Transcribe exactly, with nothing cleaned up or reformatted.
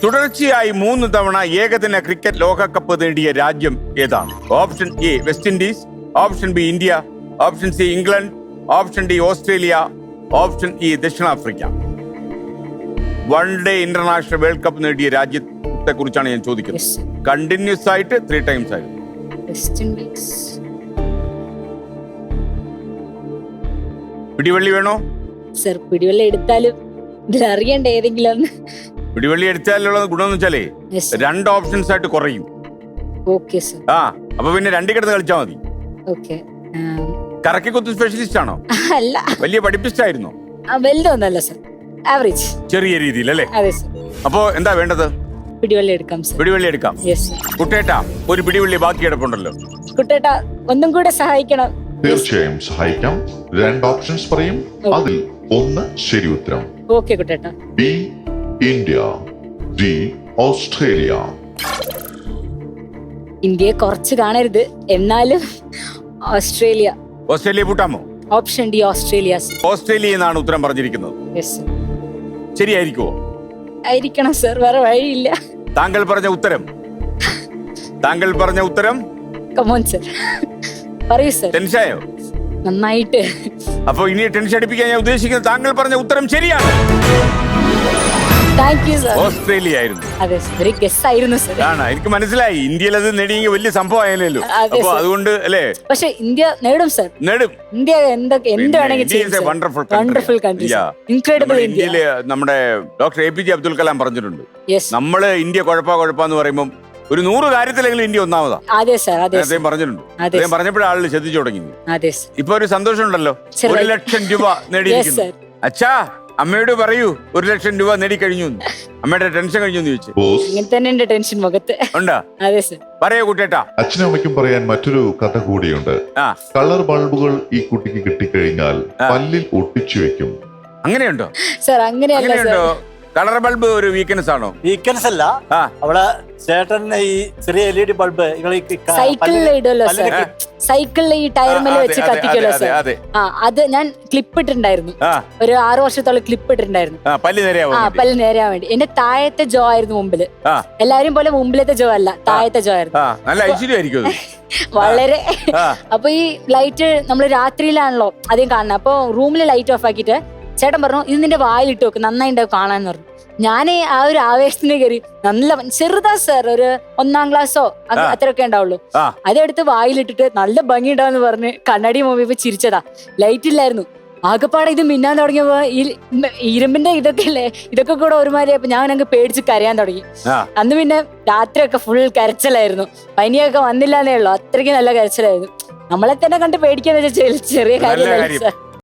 തുടർച്ചയായി മൂന്ന് തവണ ഏകദിന ക്രിക്കറ്റ് ലോകകപ്പ് നേടിയ രാജ്യം ഏതാണ്? Option A West Indies, option B India, option C England, option D Australia, option E ദക്ഷിണാഫ്രിക്ക. One day international world cup നേടിയ രാജ്യത്തെ കുറിച്ചാണ് ഞാൻ ചോദിക്കുന്നത്. കണ്ടിന്യൂസ് ആയിട്ട് ത്രീ ടൈംസ് ആയിട്ട്. West Indies. പിടിവള്ളി വേണോ സർ? പിടിവള്ളി എടുത്താലും ഇതിൽ അറിയണ്ട ഏതെങ്കിലും ഒന്ന്. പിടിവള്ളി എടുത്താലുള്ള ഗുണമെന്ന് വെച്ചാലേ രണ്ട് ഓപ്ഷൻസ് ആയിട്ട് കുറയും. Okay sir. ആ അപ്പൊ പിന്നെ രണ്ടു കിടന്ന് കളിച്ചാൽ മതി. ഓക്കെ. കറക്കി കുത്ത് സ്പെഷ്യലിസ്റ്റ് ആണോ? അല്ല. വലിയ പഠിപ്പിസ്റ്റ് ആയിരുന്നോ? വലുതൊന്നല്ല സർ, ആവറേജ്, ചെറിയ രീതിയിൽ അല്ലേ? അതെ സർ. അപ്പോ എന്താ വേണ്ടത്? പിടിവള്ളി എടുക്കാം സർ. പിടിവള്ളി എടുക്കാം. കുട്ടേട്ടാ, ഒരു പിടിവള്ളി ബാക്കി കിടപ്പുണ്ടല്ലോ. കുട്ടേട്ടാ ഒന്നും കൂടെ സഹായിക്കണം. തീർച്ചയായും സഹായിക്കാം. രണ്ട് ഓപ്ഷൻസ് പറയും, അതിൽ ഒന്ന് ശരി ഉത്തരം. ഓക്കെ കുട്ടേട്ടാ. B India, D Australia. ഇന്ത്യയെ കുറച്ച് കാണരുത്, എന്നാലും ഓസ്ട്രേലിയ. ഓസ്ട്രേലിയ പൂട്ടാമോ? Option D Australia. ഓസ്ട്രേലിയ എന്നാണ് ഉത്തരം പറഞ്ഞിരിക്കുന്നത്. ശരിയായിരിക്കുമോ? ആയിരിക്കണം സർ, വേറെ വഴിയില്ല. താങ്കൾ പറഞ്ഞ ഉത്തരം താങ്കൾ പറഞ്ഞ ഉത്തരം കമോൺ സർ, പറയൂ സർ. ടെൻഷനായോ? നന്നായിട്ട്. അപ്പൊ ഇനി ടെൻഷൻ അടിപ്പിക്കാൻ ഞാൻ ഉദ്ദേശിക്കുന്നത് താങ്കൾ പറഞ്ഞ ഉത്തരം ശരിയാണ്. Thank you sir. ഓസ്ട്രേലിയ ആയിരുന്നു. അതെ സർ, ഒരു ഗസ് ആയിരുന്നു സർ. ആണ്, എനിക്ക് മനസ്സിലായി. ഇന്ത്യയിൽ അത് നേടിയെങ്കിൽ വലിയ സംഭവം ആയാലോ. അപ്പൊ അതുകൊണ്ട് അല്ലേ? പക്ഷെ ഇന്ത്യ നേടും സർ, നേടും. ഇന്ത്യ എന്തൊക്കെ എന്ത് വേണമെങ്കിൽ wonderful wonderful country, incredible India. ഇന്ത്യയില് നമ്മുടെ doctor A P J Abdul Kalam പറഞ്ഞിട്ടുണ്ട്, നമ്മള് ഇന്ത്യ കുഴപ്പാ കുഴപ്പാന്ന് പറയുമ്പോൾ ഒരു നൂറ് കാര്യത്തിലെങ്കിലും ഇന്ത്യ ഒന്നാമതാ. അതെ സർ, അതെ. അദ്ദേഹം പറഞ്ഞിട്ടുണ്ട്. അദ്ദേഹം പറഞ്ഞപ്പോഴേ ആളുകൾ ശ്രദ്ധിച്ചു തുടങ്ങി. അതെ. ഇപ്പൊ ഒരു സന്തോഷം ഉണ്ടല്ലോ, ഒരു ലക്ഷം രൂപ നേടിയിരിക്കുന്നു. അച്ഛാ, അമ്മയോട് പറയൂ ഒരു ലക്ഷം രൂപ നേടിക്കഴിഞ്ഞു. അമ്മയുടെ ടെൻഷൻ കഴിഞ്ഞു ചോദിച്ചു. ഇങ്ങനെ തന്നെ എന്റെ ടെൻഷൻ മുഖത്ത് ഉണ്ടാ. അതെ സർ. പറയൂ കുട്ടേട്ടാ. അച്ഛനും അമ്മയ്ക്കും പറയാൻ മറ്റൊരു കഥ കൂടിയുണ്ട്. കളർ ബൾബുകൾ ഈ കുട്ടിക്ക് കിട്ടിക്കഴിഞ്ഞാൽ പല്ലിൽ ഒട്ടിച്ചു വെക്കും. അങ്ങനെയുണ്ടോ സർ? അങ്ങനെയല്ല സർ. കളർ ബൾബ് ഒരു വീക്ക്നെസ് ആണോ? വീക്ക്നെസ് അല്ല, അവിടെ ചേട്ടന് ഈ ചെറിയ എൽ ഇ ഡി ബൾബ് സൈക്കിളിൽ ഇടുമല്ലോ സർ, സൈക്കിളിൽ ഈ ടയർമേൽ വെച്ച് കത്തിക്കല്ലോ സർ. ആ അത് ഞാൻ ക്ലിപ്പ് ഇട്ടിട്ടുണ്ടായിരുന്നു, ഒരു ആറു വർഷത്തോളം ക്ലിപ്പ് ഇട്ടിട്ടുണ്ടായിരുന്നു. ആ പല്ല് നേരാൻ വേണ്ടി. എന്റെ താഴത്തെ ജോ ആയിരുന്നു മുമ്പില്. എല്ലാരും പോലെ മുമ്പിലത്തെ ജോ അല്ല, താഴത്തെ ജോ ആയിരുന്നു. വളരെ. അപ്പൊ ഈ ലൈറ്റ് നമ്മള് രാത്രിയിലാണല്ലോ അധികം കാണുന്നത്. അപ്പൊ റൂമിൽ ലൈറ്റ് ഓഫ് ആക്കിയിട്ട് ചേട്ടൻ പറഞ്ഞു, ഇത് നിന്റെ വായിലിട്ട് വെക്കും, നന്നായിണ്ടാവും കാണാന്ന് പറഞ്ഞു. ഞാൻ ആ ഒരു ആവേശത്തിന് കയറി, നല്ല ചെറുതാ സർ, ഒരു ഒന്നാം ക്ലാസ്സോ അത്രയൊക്കെ ഉണ്ടാവുള്ളൂ. അതെടുത്ത് വായിലിട്ടിട്ട് നല്ല ഭംഗി ഉണ്ടാവെന്ന് പറഞ്ഞ് കണ്ണാടി മൂവിയപ്പോ ചിരിച്ചതാ. ലൈറ്റ് ഇല്ലായിരുന്നു. ആകെപ്പാടെ ഇത് മിന്നാൻ തുടങ്ങിയപ്പോ ഈ ഇരുമ്പിന്റെ ഇതൊക്കെ അല്ലേ, ഇതൊക്കെ കൂടെ ഒരുമാതിരി. അപ്പൊ ഞാൻ അങ്ങ് പേടിച്ച് കരയാൻ തുടങ്ങി. അന്ന് പിന്നെ രാത്രിയൊക്കെ ഫുൾ കരച്ചിലായിരുന്നു. പനിയൊക്കെ വന്നില്ലാന്നേ ഉള്ളൂ, അത്രയ്ക്ക് നല്ല കരച്ചിലായിരുന്നു. നമ്മളെ തന്നെ കണ്ട് പേടിക്കാന്ന് വെച്ചാൽ ചെറിയ കാര്യമല്ല സർ.